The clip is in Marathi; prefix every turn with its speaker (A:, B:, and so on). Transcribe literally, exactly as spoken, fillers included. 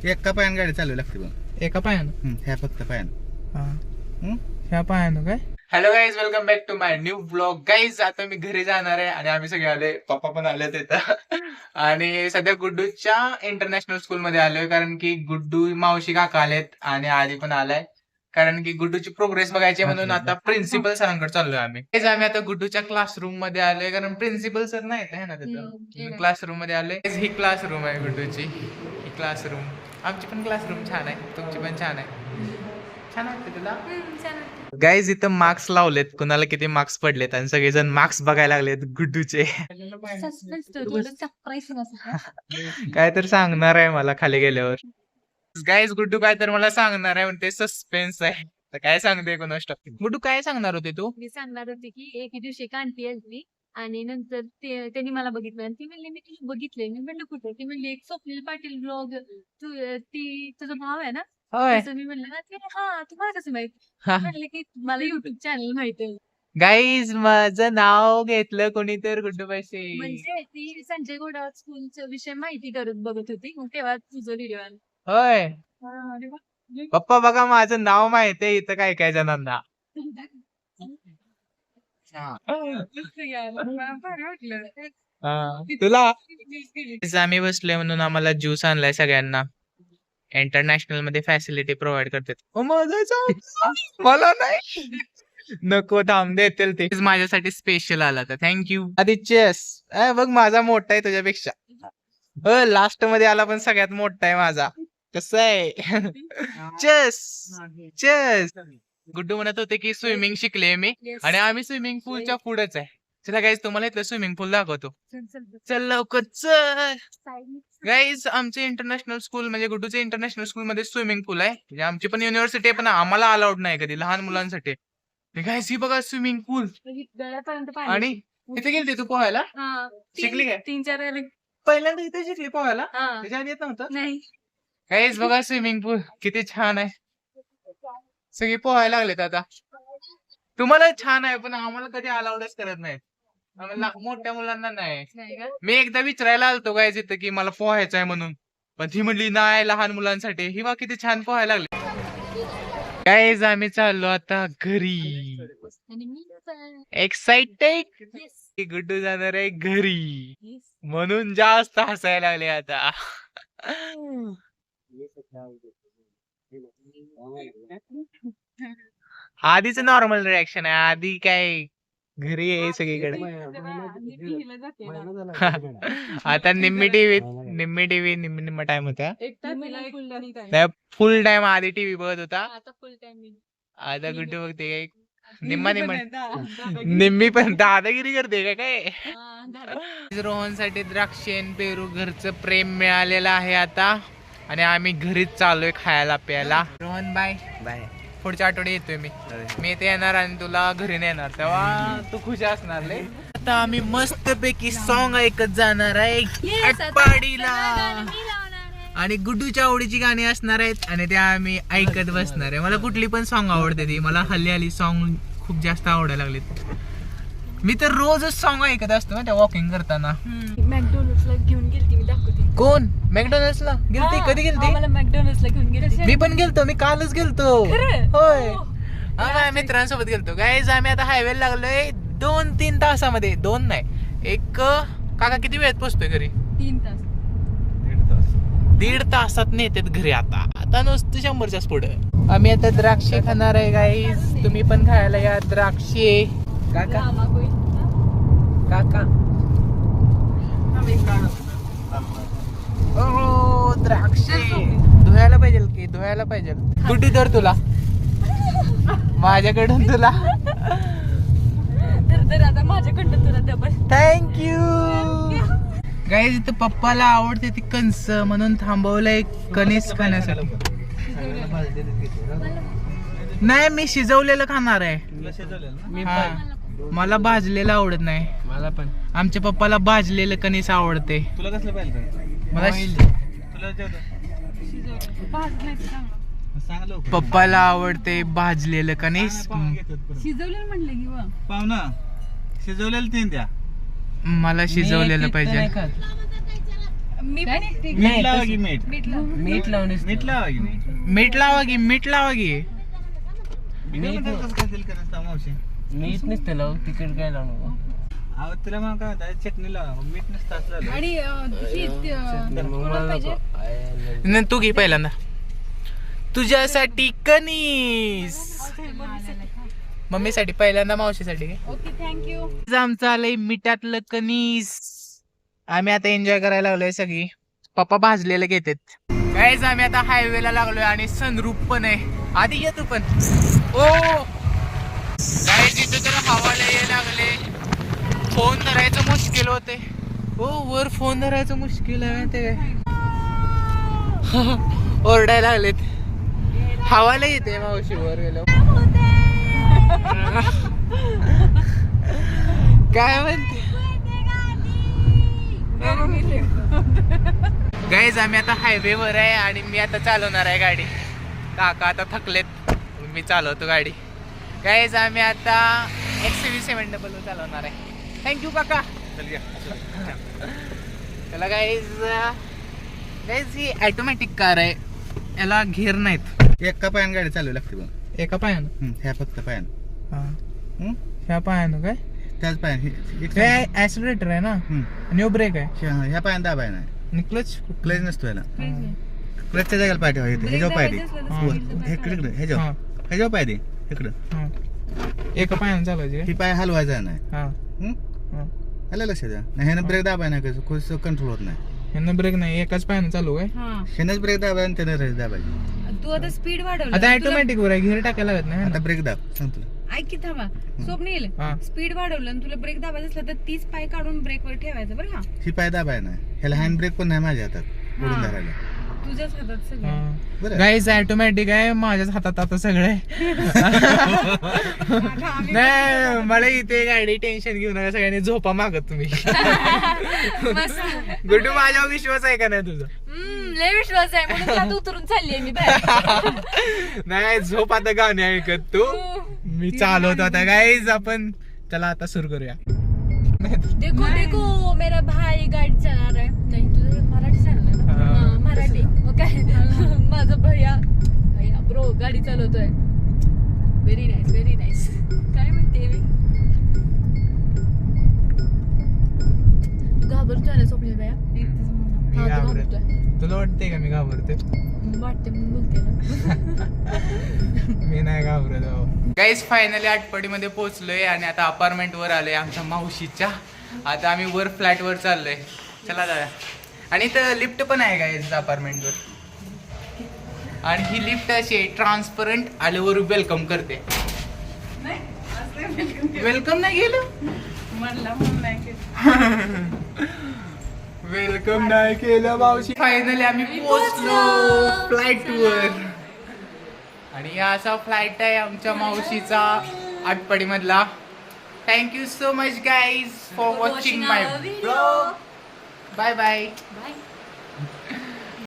A: एका पायानं गाडी चालू लागते बघ.
B: एका पायानं
A: ह्या फक्त पायानं.
B: ह्या पायानं काय. Hello guys, welcome back to my new blog. Guys आता मी घरी जाणार आहे आणि आम्ही सगळे आले, पप्पा पण आले तिथं. आणि सध्या गुड्डूच्या इंटरनॅशनल स्कूल मध्ये आलोय कारण की गुड्डू मावशी काका आलेत आणि आधी पण आलाय कारण की गुड्डूची प्रोग्रेस बघायची म्हणून आता प्रिन्सिपल सरांकडे चाललोय आम्ही. गाईज आम्ही आता गुड्डूच्या क्लासरूम मध्ये आलोय कारण प्रिन्सिपल सर नाही आहे ना तिथं. क्लासरूम मध्ये आलोय. ही क्लासरूम आहे गुड्डूची. ही क्लासरूम, आमची पण क्लासरूम छान आहे, तुमची पण छान आहे. छान वाटतं तुला. गाईज इथं मार्क्स लावलेत, कुणाला किती मार्क्स पडलेत आणि सगळेजण मार्क्स बघायला लागलेत गुड्डूचे. काय तर सांगणार आहे मला खाली गेल्यावर. गाईज गुड्डू काय तर मला सांगणार आहे म्हणते, सस्पेन्स आहे. तर काय सांगते कोणास ठाऊक. गुड्डू काय सांगणार होते तू.
C: मी सांगणार होते की एके दिवशी एक आंटी आली आणि नंतर ते त्यांनी मला बघितलं आणि ती म्हणली मी तुला बघितलंय. मी म्हणलं कुठे. ती म्हणली एक स्वप्नील पाटील ब्लॉग, तू ती तुझा भाव आहे ना.
B: होय.
C: मी म्हणलं हा तुम्हाला कसं माहित. म्हणले की मला युट्यूब चॅनल माहित आहे.
B: गाईज माझं नाव घेतलं कोणी तर गुड्डू पैसे.
C: म्हणजे ती संजय घोडावत स्कूलच्या विषय माहिती करत बघत होती, मग तेव्हा तुझा व्हिडिओ आला.
B: होय.
C: अरे वा.
B: पप्पा बघा माझं नाव माहित आहे इथं काय काय जणांना. तुला आम्ही बसलोय म्हणून आम्हाला ज्यूस आणलाय सगळ्यांना. इंटरनॅशनल मध्ये फॅसिलिटी प्रोव्हाइड करतात. मला नाही नको, थांब देतील ते. माझ्यासाठी स्पेशल आला तर थँक्यू. आधी चेस बघ माझा मोठा आहे तुझ्यापेक्षा. लास्ट मध्ये आला पण सगळ्यात मोठा आहे माझा. कसं आहे. Chess chess. गुड्डू म्हणत होते की स्विमिंग शिकले मी आणि आम्ही स्विमिंग पूलच्या पुढेच आहे. चला गाईज तुम्हाला इथलं स्विमिंग पूल दाखवतो. चल लवकर चल. गाईज आमचे इंटरनॅशनल स्कूल म्हणजे गुड्डूचे इंटरनॅशनल स्कूल मध्ये स्विमिंग पूल आहे. म्हणजे आमची पण युनिव्हर्सिटी आहे पण आम्हाला अलाउड नाही कधी लहान मुलांसाठी. गाईज ही बघा स्विमिंग पूल. आणि इथे गेलते तू पोहायला. शिकली काय.
C: तीन चार वेळेला
B: पहिल्यांदा इथे शिकली पोहायला. त्याच्या आधी येत नव्हतं.
C: नाही.
B: गाईज बघा स्विमिंग पूल किती छान आहे. सगळे पोहायला लागलेत आता. तुम्हाला छान आहे पण आम्हाला कधी अलाउडच करत नाहीत. आम्हाला मोठ्या मुलांना नाही. मी एकदा विचारायला आलतो गाईज इथं की मला पोहायचं आहे म्हणून, पण ती म्हणली नाही लहान मुलांसाठी. ही बा किती छान पोहायला लागले. गाईज आम्ही चाललो आता घरी. एक्साइटेड. गुड्डू जाणार आहे घरी म्हणून जास्त हसायला लागले आता. आधीच नॉर्मल रिॲक्शन आहे. आधी काय घरी आहे सगळीकडे. आता निम्मी टीव्ही निम्मी टीव्ही निम्मी निम्मा टाइम होता. फुल टाइम आधी टीव्ही बघत होता. आता गुड्डू बघते काय निम्मा निम्मा निम्मी पण दादागिरी करते का काय. रोहन साठी द्राक्षेन पेरू घरचं प्रेम मिळालेलं आहे आता आणि आम्ही घरीच चाललोय खायला प्यायला. Rohan bye bye. पुढच्या आठवड्यात येतोय मी. मी इथे येणार आणि तुला घरी नेणार तेव्हा तू खुश असणार लय. आता आम्ही मस्त पैकी सॉन्ग ऐकत जाणार आहे आटपाडीला आणि गुड्डूच्या आवडीची गाणी असणार आहेत आणि त्या आम्ही ऐकत बसणार आहे. मला कुठली पण सॉन्ग आवडते ती. मला हल्ली हल्ली सॉन्ग खूप जास्त आवडायला लागलेत. मी तर रोजच सॉन्ग ऐकत असतो ना त्या वॉकिंग करताना.
C: मॅकडॉनल्ड्सला घेऊन गेलती मी दाखवते.
B: कोण मॅकडॉनल्ड्सला गेलती. कधी गेलती.
C: मला मॅकडॉनल्ड्सला घेऊन गेलती.
B: मी पण गेलतो. मी कालच गेलतो. होय आम्ही मित्रांसोबत गेलतो. गाईज आम्ही आता हायवे लागलोय दोन तीन तासामध्ये. दोन नाही एक. काका किती वेळात पोहोचतोय घरी.
C: तीन तास
B: दीड तासात नेतात घरी. आता आता नुसतं शंभरच्याच पुढं. आम्ही आता द्राक्षे खाणार आहे गाईज. तुम्ही पण खायला या द्राक्षे. काका काका ओ द्राक्षे धुवायला पाहिजे की धुवायला पाहिजे. कुठे तर तुला माझ्याकडून तुला
C: तर आता माझ्याकडनं तुला डबल
B: थँक्यू. गाईज इथं पप्पाला आवडते ती कणस म्हणून थांबवलंय कणीस खाण्यासाठी. नाही मी शिजवलेलं खाणार आहे. मला भाजलेलं आवडत नाही. मला पण. आमच्या पप्पाला भाजलेलं कणीस आवडते. तुला कसलं पाहिजे. मला पप्पाला आवडते भाजलेलं कणीस.
C: शिजवलेलं म्हणलं की
A: पाहुणा शिजवलेलं तीन द्या.
B: मला शिजवलेलं पाहिजे.
C: मी पण येते.
A: मीठ लावा की मीठ
C: मीठ लाव.
D: मीठ लावून
A: मीठ लावा की मीठ
B: मीठ लावा की मीठ लावा की
A: मीठ कसं काय तेल करत असता मावशी
D: मीठ नसतं लावू तिखट काय लावू
A: अहो तुला मग काय म्हणतात चटणी लावा मीठ नसतं असलं
C: आणि अं, ही, अं, कोणाला पाहिजे?
B: न तू घे पहिल्यांदा तुझ्यासाठी कणीस मम्मीसाठी पहिल्यांदा मावशीसाठी घे.
C: Okay thank you.
B: आमचं आलंय मिठातलं कणीस. आम्ही आता एन्जॉय करायला लागलोय सगळी. पप्पा भाजलेले घेतात काहीच. आम्ही आता हायवेला लागलोय आणि सनरूप पण आहे. आधी ये तू पण. ओ काय तिथं तर हवाला ये लागले. फोन धरायचं मुश्किल होते. ओ वर फोन धरायचं मुश्किल आहे ते ओरडायला लागलेत. हवाला येते मावशी वर गेलो. काय म्हणते गाईज आम्ही आता हायवेवर आहे आणि मी आता चालवणार आहे गाडी. काका आता थकलेत मी चालवतो गाडी. गाईज आम्ही आता एक्स व्ही सेवन डबल चालवणार आहे. थँक्यू काका. त्याला गाईज गाईज ही ऑटोमॅटिक कार आहे. याला घेर नाहीत.
A: एका पायानं गाडी चालू लागते बघ.
B: एका पायानं
A: हम्म, ह्या फक्त पायानं हम्म?
B: ह्या पायानं काय
A: त्याच पायानं हे-
B: हे
A: एक-
B: ऍक्सिलेटर आहे ना
A: हम्म.
B: आणि ह्यो ब्रेक आहे
A: ह्या ह्या पायानं दाबाय नाही
B: आणि क्लच
A: क्लच नसतो याला क्लचच्या जागेला पाय ठेवा इथे ह्याच्यावर पाय दे वर. इकडे इकडे ह्याच्यावर
B: हा
A: ह्याच्यावर पाय दे इकडं.
B: हा एका पायानं चालायची
A: ही पाय हलवायचा नाही
B: हा
A: हम्म?
B: हा
A: आलं लक्षात द्या नाही ह्यानं ब्रेक दाबाय नाही कसं कसं कंट्रोल होत नाही.
B: ह्यानं ब्रेक नाही एकाच पायानं चालू आहे.
C: हा
A: ह्यानंच ब्रेक दाबाय आणि त्यानं रेस दाबायची.
C: तू आता स्पीड वाढवलं.
B: आता
C: तुला-
B: ऑटोमॅटिक वर आहे घेर टाकायला लागत नाही
A: आता ब्रेक दाब सांग तुला.
C: ऐक की थांबा. स्वप्नील
B: हा
C: स्पीड वाढवलं आणि तुला ब्रेक दाबायचा असला तर तीच पाय काढून ब्रेकवर ठेवायचं बरं का.
A: ही पाय दाबाय नाही ह्याला हँड ब्रेक पण नाही माझ्या हातात ओढून
C: हा.
A: धरायला.
C: तुझ्याच हातात सगळं.
A: बरं
B: गाईज ऑटोमॅटिक आहे माझ्याच हातात आता सगळं आहे. नाही मला इथे गाडी टेन्शन घेऊ नका. सगळ्यांनी झोपा मागत तुम्ही.
C: मस्त.
B: गुड्डू माझ्यावर विश्वास आहे का नाही तुझा.
C: हम्म, लय विश्वास आहे म्हणून त्यात उतरून चालली मी बाहेर.
B: नाही झोप आता गाणे ऐकत तू. मी चालवतो आता गाईज. आपण चला आता सुरू करूया.
C: देखो देखो मेरा भाई गाडी चालणार आहे. नाही तुझं मराठी चालणार ना.
B: हा.
C: हा, मराठी मग काय. माझा भैया भैया ब्रो गाडी चालवतोय. Very nice very nice. काय म्हणते मी तू घाबरतोय ना स्वप्नील भैया.
B: मी
C: हा, तू
B: घाबरत.
C: घाबरतोय.
B: तुला वाटते का मी घाबरते.
C: वाटते मी बोलते ना.
B: मी नाही घाबरत. गाईज फायनली आटपाडीमध्ये पोहोचलोय आणि आता अपार्टमेंट वर आलोय आमच्या मावशीच्या. आता आम्ही वर फ्लॅट वर चाललोय. चला जाऊया. आणि इथं लिफ्ट पण आहे गाईज अपार्टमेंट वर. आणि ही लिफ्ट अशी ट्रान्सपरंट आल्यावर वेलकम करते. वेलकम नाही केलं. वेलकम नाही केलं मावशी. फायनली आम्ही पोहोचलो फ्लाईट वर. आणि हा असा फ्लाईट आहे आमच्या मावशीचा आटपाडी मधला. Thank you so much guys for watching my blog. Bye bye.
C: Bye.